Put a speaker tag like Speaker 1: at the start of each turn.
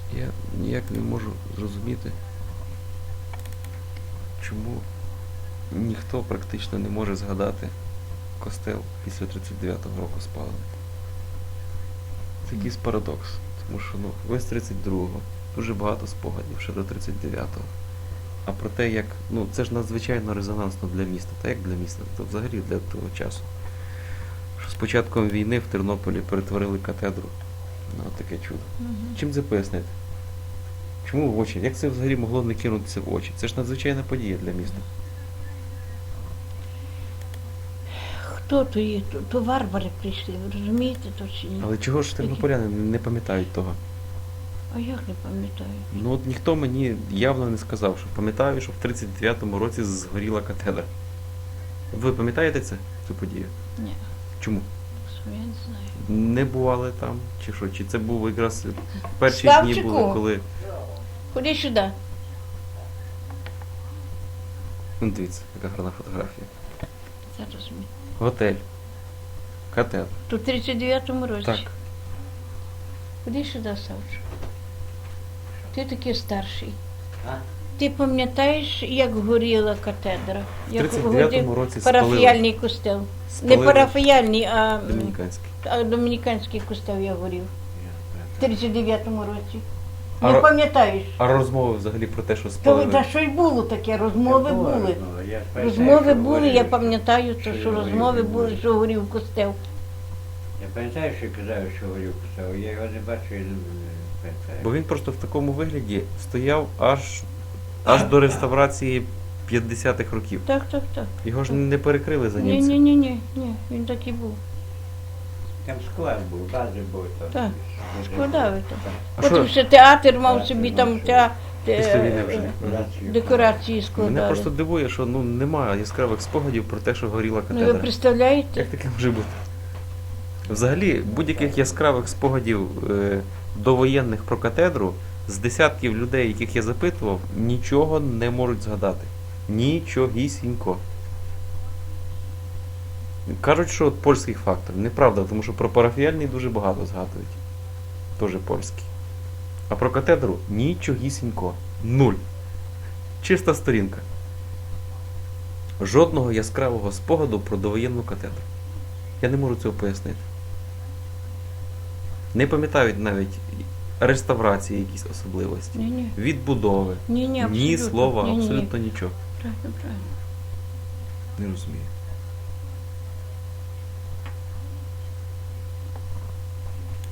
Speaker 1: Я ніяк не можу зрозуміти, чому ніхто практично не може згадати костел після 39-го року спалений. Це якийсь парадокс. Тому що ви з 32-го, дуже багато спогадів ще до 39-го. А про те, як, це ж надзвичайно резонансно для міста. Та як для міста, то взагалі для того часу. Що з початком війни в Тернополі перетворили катедру на таке чудо. Чим це пояснити? Чому в очі? Як це взагалі могло не кинутися в очі? Це ж надзвичайна подія для міста.
Speaker 2: Хто то є? То варвари прийшли, ви розумієте то чи ні?
Speaker 1: Але чого ж тернополяни не пам'ятають того?
Speaker 2: А як не пам'ятаю?
Speaker 1: От ніхто мені явно не сказав, що пам'ятаю, що в 39-му році згоріла катедра. Ви пам'ятаєте цю подію?
Speaker 2: Ні,
Speaker 1: Чому?
Speaker 2: я не знаю.
Speaker 1: Не бували там? Чи що? Чи це був якраз перші дні
Speaker 2: Славчику!
Speaker 1: були, коли...
Speaker 2: Ходи сюди.
Speaker 1: Дивіться, яка гарна фотографія.
Speaker 2: Зараз ми.
Speaker 1: Готель. Катедра.
Speaker 2: То в 39-му році.
Speaker 1: Так.
Speaker 2: Ходи сюди, Савчик. Ти такий старший.
Speaker 3: А?
Speaker 2: Ти пам'ятаєш, як горіла катедра?
Speaker 1: В
Speaker 2: Як
Speaker 1: 39-му році спалили.
Speaker 2: парафіяльний костел.
Speaker 1: Спалили.
Speaker 2: Не парафіяльний, а
Speaker 1: Домініканський.
Speaker 2: домініканський костел я горів. В 39-му році.
Speaker 1: А
Speaker 2: Не
Speaker 1: ро-
Speaker 2: пам'ятаєш?
Speaker 1: А розмови взагалі про те, що
Speaker 2: Та
Speaker 1: спалили?
Speaker 2: що й було таке, розмови були.
Speaker 3: Я
Speaker 2: Розмови були, я пам'ятаю,
Speaker 3: що
Speaker 2: що
Speaker 3: я
Speaker 2: розмови
Speaker 3: говорив.
Speaker 2: були, що горів костел.
Speaker 3: Я пам'ятаю, що казав, що говорив писав. Я його не бачу і не пам'ятаю.
Speaker 1: Бо він просто в такому вигляді стояв аж до реставрації 50-х років.
Speaker 2: Так, так, так.
Speaker 1: Його ж не перекрили за
Speaker 2: Ні,
Speaker 1: німців.
Speaker 2: ні, ні, ні, ні, він так і був.
Speaker 3: Там склад був, бази був. Там.
Speaker 2: Так, складали там.
Speaker 1: А
Speaker 2: Потім
Speaker 1: що?
Speaker 2: ще театр мав
Speaker 3: Театр
Speaker 2: собі
Speaker 3: мав
Speaker 2: там
Speaker 3: собі.
Speaker 1: Після війни вже.
Speaker 2: декорації
Speaker 1: Мене
Speaker 2: складали.
Speaker 1: просто дивує, що немає яскравих спогадів про те, що горіла
Speaker 2: Ну ви
Speaker 1: катедра.
Speaker 2: представляєте?
Speaker 1: Як таке може бути? Взагалі, будь-яких яскравих спогадів довоєнних про катедру з десятків людей, яких я запитував, нічого не можуть згадати. Нічогісінько. Кажуть, що от польський фактор. Неправда, тому що про парафіяльний дуже багато згадують. Тоже польський. А про катедру нічогісінько. Нуль. Чиста сторінка. Жодного яскравого спогаду про довоєнну катедру. Я не можу цього пояснити. Не пам'ятають навіть реставрації якісь особливості.
Speaker 2: Ні-ні.
Speaker 1: Відбудови.
Speaker 2: Ні-ні,
Speaker 1: Ні
Speaker 2: абсолютно.
Speaker 1: слова,
Speaker 2: Ні-ні.
Speaker 1: абсолютно нічого.
Speaker 2: Правильно, правильно.
Speaker 1: Не розумію.